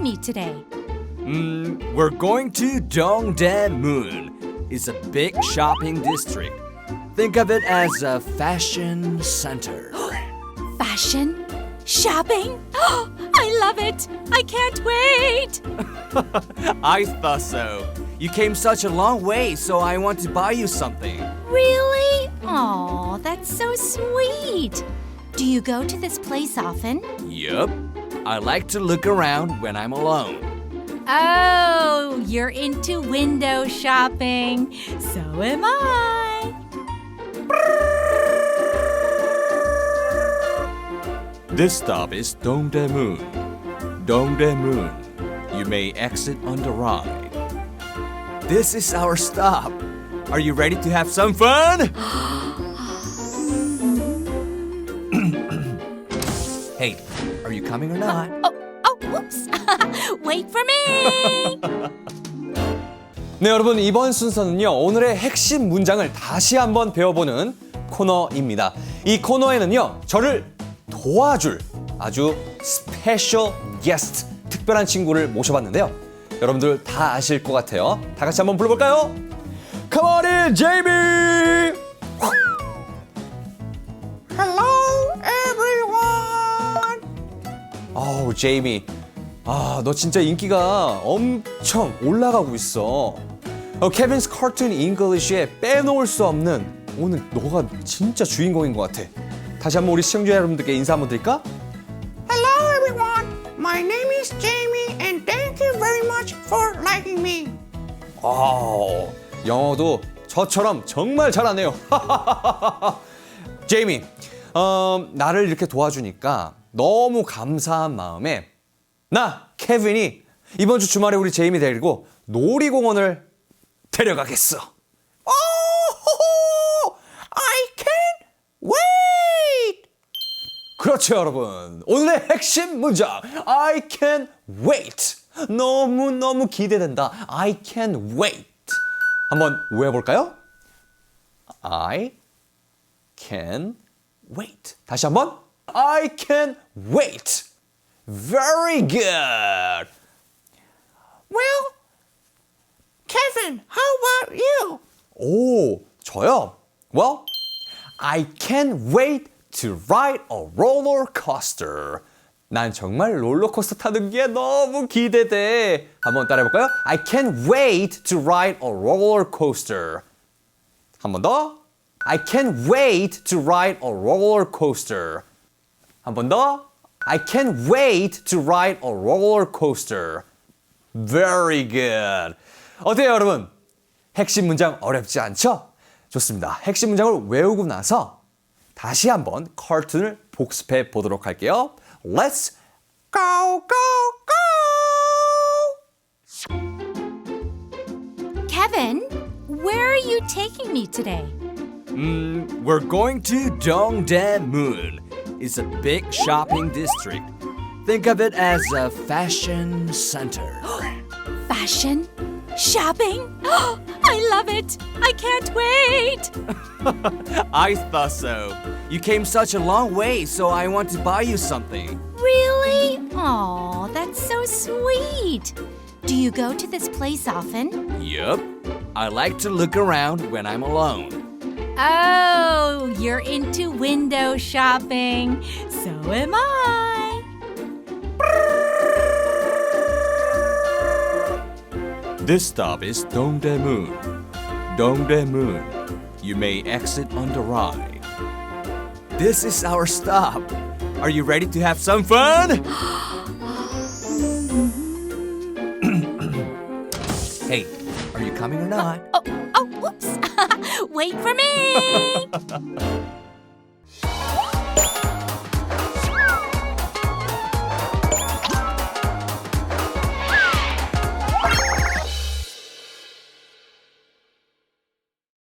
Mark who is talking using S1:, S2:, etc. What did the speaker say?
S1: me today?
S2: We're going to Dongdaemun. It's a big shopping district. Think of it as a fashion center.
S1: Fashion? Shopping? I love it! I can't wait!
S2: I thought so. You came such a long way, so I want to buy you something.
S1: Really? Aw, that's so sweet. Do you go to this place often?
S2: Yup. I like to look around when I'm alone.
S1: Oh, you're into window shopping. So am I.
S2: This stop is Dongdaemun. Dongdaemun. You may exit on the right. This is our stop. Are you ready to have some fun? Hey, are you coming or not?
S1: Whoops. Wait for me.
S3: 네, 여러분, 이번 순서는요, 오늘의 핵심 문장을 다시 한번 배워보는 코너입니다. 이 코너에는요, 저를 도와줄 아주 스페셜 게스트, 특별한 친구를 모셔봤는데요. 여러분들 다 아실 것 같아요. 다 같이 한번 불러볼까요? Come on in, Jamie! Hello, everyone! 어우, 제이미. 너 진짜 인기가 엄청 올라가고 있어. 케빈's Cartoon English에 빼놓을 수 없는 오늘 너가 진짜 주인공인 것 같아. 다시 한번 우리 시청자 여러분들께 인사 한번 드릴까?
S4: Hello everyone, my name is Jamie and thank you very much for liking me.
S3: 영어도 저처럼 정말 잘하네요. 제이미, 나를 이렇게 도와주니까 너무 감사한 마음에 나, 케빈이 이번 주 주말에 우리 제이미 데리고 놀이공원을 데려가겠어.
S4: I can't wait.
S3: 그렇죠, 여러분. 오늘의 핵심 문장 I can't wait. 너무너무 기대된다. I can't wait. 한번 외워볼까요? I can wait. 다시 한번 I can wait. Very good.
S4: Well, Kevin, how about you?
S3: 오, 저요? Well, I can't wait to ride a roller coaster. 난 정말 롤러코스터 타는 게 너무 기대돼. 한번 따라해볼까요? I can't wait to ride a roller coaster. 한 번 더. I can't wait to ride a roller coaster. 한 번 더. I can't wait to ride a roller coaster. Very good. 어때요, 여러분? 핵심 문장 어렵지 않죠? 좋습니다. 핵심 문장을 외우고 나서 다시 한번 카툰을 복습해 보도록 할게요. Let's
S4: Go, go, go.
S1: Kevin, where are you taking me today?
S2: We're going to Dongdaemun. It's a big shopping district. Think of it as a fashion center.
S1: Fashion? Shopping? I love it! I can't wait!
S2: I thought so. You came such a long way, so I want to buy you something.
S1: Really? Aw, that's so sweet. Do you go to this place often?
S2: Yup. I like to look around when I'm alone.
S1: Oh, you're into window shopping. So am I.
S2: This stop is Dongdaemun. Dongdaemun. You may exit on the right. This is our stop. Are you ready to have some fun? Hey, are you coming or not?
S1: Whoops. Wait for me.